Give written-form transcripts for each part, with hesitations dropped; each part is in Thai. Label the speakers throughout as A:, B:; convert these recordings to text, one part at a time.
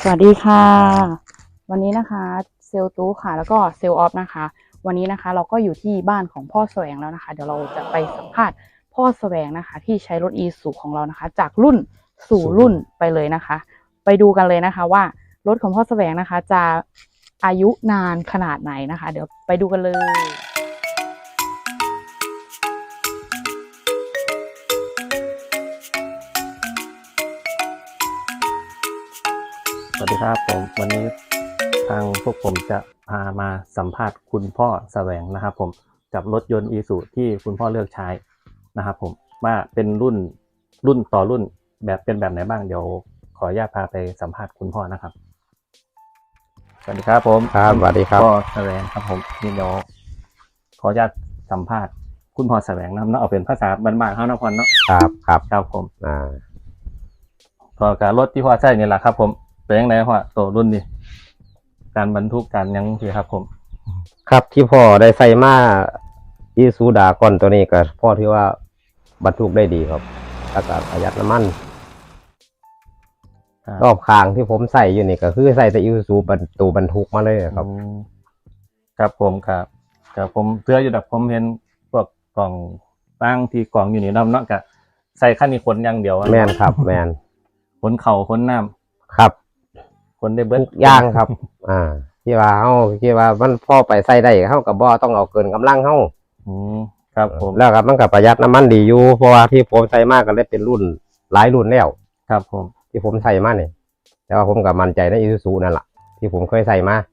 A: สวัสดีค่ะวันนี้นะคะเซลตู้ค่ะแล้วก็เซลออฟนะคะวันนี้นะคะเราก็อยู่ที่บ้านของพ่อแสวงแล้วนะคะเดี๋ยวเราจะไปสัมภาษณ์พ่อแสวงนะคะที่ใช้รถอีซูของเรานะคะจากรุ่นสู่รุ่นไปเลยนะคะไปดูกันเลยนะคะว่ารถของพ่อแสวงนะคะจะอายุนานขนาดไหนนะคะเดี๋ยวไปดูกันเลย
B: สวัสดีครับผมวันนี้ทางพวกผมจะพามาสัมภาษณ์คุณพ่อแสวงนะครับผมกับรถยนต์อีซูที่คุณพ่อเลือกใช้นะครับผมว่าเป็นรุ่นต่อรุ่นแบบเป็นแบบไหนบ้างเดี๋ยวขออนุญาตพาไปสัมภาษณ์คุณพ่อนะครับสวัสดีครับผม
C: ครับสวัสดีครับ
B: พ่อแสวงครับผมนี่เดี๋ยวขออนุญาตสัมภาษณ์คุณพ่อแสวงนะครับเนาะเอาเป็นภาษาบ้านๆเขานะพ่อเนาะ
C: ครับ
B: ผมก็การรถที่พ่อใช้นี่แหละครับผมเป็นยังไงพ่อตัวรุ่นนี้การบรรทุกการยังสิครับผม
C: ครับที่พ่อได้ใส่มาอีซูดาก่อนตัวนี้ก็พ่อที่ว่าบรรทุกได้ดีครับอากาศประหยัดน้ำมันรอบข้างที่ผมใส่อยู่นี่ก็คือใส่แต่อีซูบรรทุกมาเลยครับ
B: ครับผมครับผมเสื้ออยู่แบบผมเห็นพวกกล่องตั้งที่กล่องอยู่นี่น้ำเนาะกะใส่ขั้นนี้ขนอย่างเดียว
C: แมนครับแมน
B: ขนเข่าขนน้
C: ำครับ
B: ขนได้เบิด
C: ทุกอย่างครับที่ว่ามันพ่อไปใส่ได้เขากับบ่ต้องเอาเกินกำลังเขา
B: ครับผม
C: แล้วครับมันกับประหยัดน้ำมันดีอยู่เพราะว่าที่ผมใส่มากก็ได้เป็นรุ่นหลายรุ่นแล้ว
B: ครับผม
C: ที่ผมใส่มาเนี่ยแต่ว่าผมกับมั่นใจในอีซูนั่นแหละที่ผมเคยใส่มา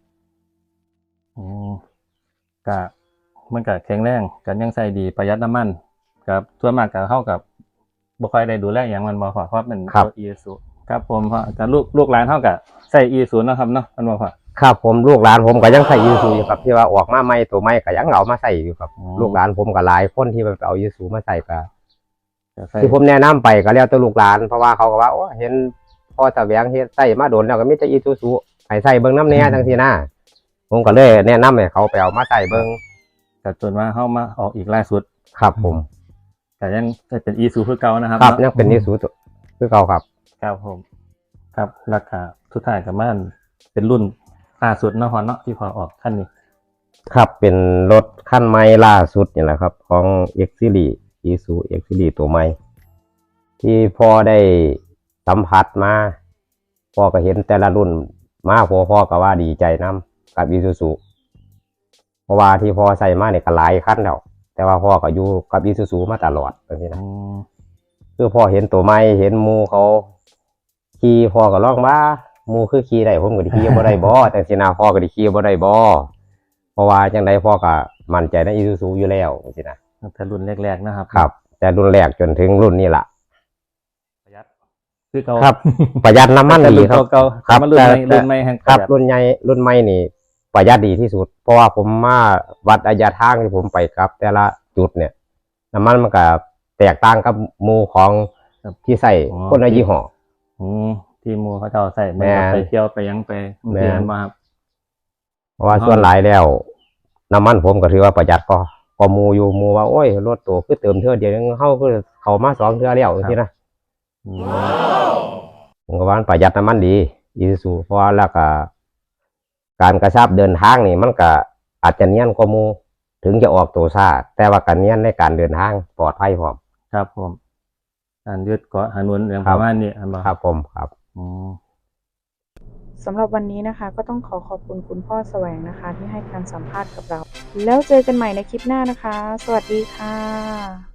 B: ก็มันก็แข็งแรงกันยังใส่ดีประหยัดน้ำมันครับส่วนมากก็เข้ากับบ่ค่อยได้ดูแลอย่างมันบ่พอเพราะเป็นรถอีซูครับผมเพราะแต่ลูกหลานเท่ากับใส่อีซูนะครับเนาะมันบ่พอ
C: ครับผมลูกหลานผมก็ยังใส่อีซูอยู่ครับที่ว่าออกมาใหม่ตัวใหม่ก็ยังเอามาใส่อยู่ครับลูกหลานผมก็หลายคนที่ไปเอาอีซูมาใส่ก็ที่ผมแนะนำไปก็แล้วแต่ลูกหลานเพราะว่าเขาก็ว่าโอ้เห็นพ่อแสวงเฮ็ดใส่มาโดนแล้วก็มีแต่อีซูให้ใส่เบิ่งน้ำแน่ทั้งทีหน้าผมก็เลยแนะนำให้เขาไปเอามาใส่เบิ่ง
B: แต่จนว่าเข้ามาออกอีกล่าสุด
C: ครับผม
B: แต่ยังเป็นอีซูคือเก่านะครับ
C: ครับยังเป็นอีซูคือเก่าครับ
B: ครับผมครับราคาทุกท่ายกับมันเป็นรุ่นล่าสุดเนาะฮอนเนาะที่พอออกขั้นนี้
C: ครับเป็นรถขั้นใหม่ล่าสุดนี่แหละครับของ X Series Isuzu X Series ตัวใหม่ที่พ่อได้สัมผัสมาพ่อก็เห็นแต่ละรุ่นมาพ่อก็ว่าดีใจนำกับ Isuzu เพราะว่าที่พ่อใส่มาเนี่ยก็หลายขั้นแล้วแต่ว่าพ่อก็อยู่กับ Isuzu มาตลอดแบบนี้นะคือพ่อเห็นตัวใหม่เห็นมูเขาขี่พ่อก็ร้องว่ามูคือขี่ได้ผมก็ได้ขี่บ่ได้บ่แต่สินาพ่อก็ได้ขี่บ่ได้บ่เพราะว่าจังไดพ่อก็มั่นใจในอีซูซูอยู่แล้วสินะ
B: แต่รุ่นแรกๆนะครับ
C: ครับแต่รุ่นแรกจนถึงรุ่นนี้ล่ะ
B: ประหยัดคือเก่า
C: ครับประหยัดน้ำมันดีครับ
B: ครับรุ่นใหม่แห่ง
C: ครับรุ่นใหญ่รุ่นใหม่นี่ประหยัดดีที่สุดเพราะว่าผมมาวัดระยะทางที่ผมไปครับแต่ละจุดเนี่ยน้ำมันก็แตกต่างกับมูของที่ใส่คนละยี่ห้อ
B: ที่มูเขาจะใส่ไปเที่ยวไปยังไปเรียนมาครับ
C: เพราะว่าส่วนหลายแล้วน้ำมันผมก็ถือว่าประหยัดก็มูอยู่มูว่าโอ้ยรถตัวคือเติมเท่าเดียวเข้าคือเขามา2 เท่าแล้วที่นะผมก็ว่าประหยัดน้ำมันดีอีซูเพราะว่าแล้วก็การกระชับเดินทางนี่มันก็อาจจะเนียนกว่ามูถึงจะออกตัวซ่าแต่ว่าการเนียนในการเดินทางปลอดภัยพร้อม
B: ครับผมการยืดเกาะหนุนอย่างประมาณนี้
C: ครับผมครับ
A: สำหรับวันนี้นะคะก็ต้องขอบคุณคุณพ่อแสวงนะคะที่ให้การสัมภาษณ์กับเราแล้วเจอกันใหม่ในคลิปหน้านะคะสวัสดีค่ะ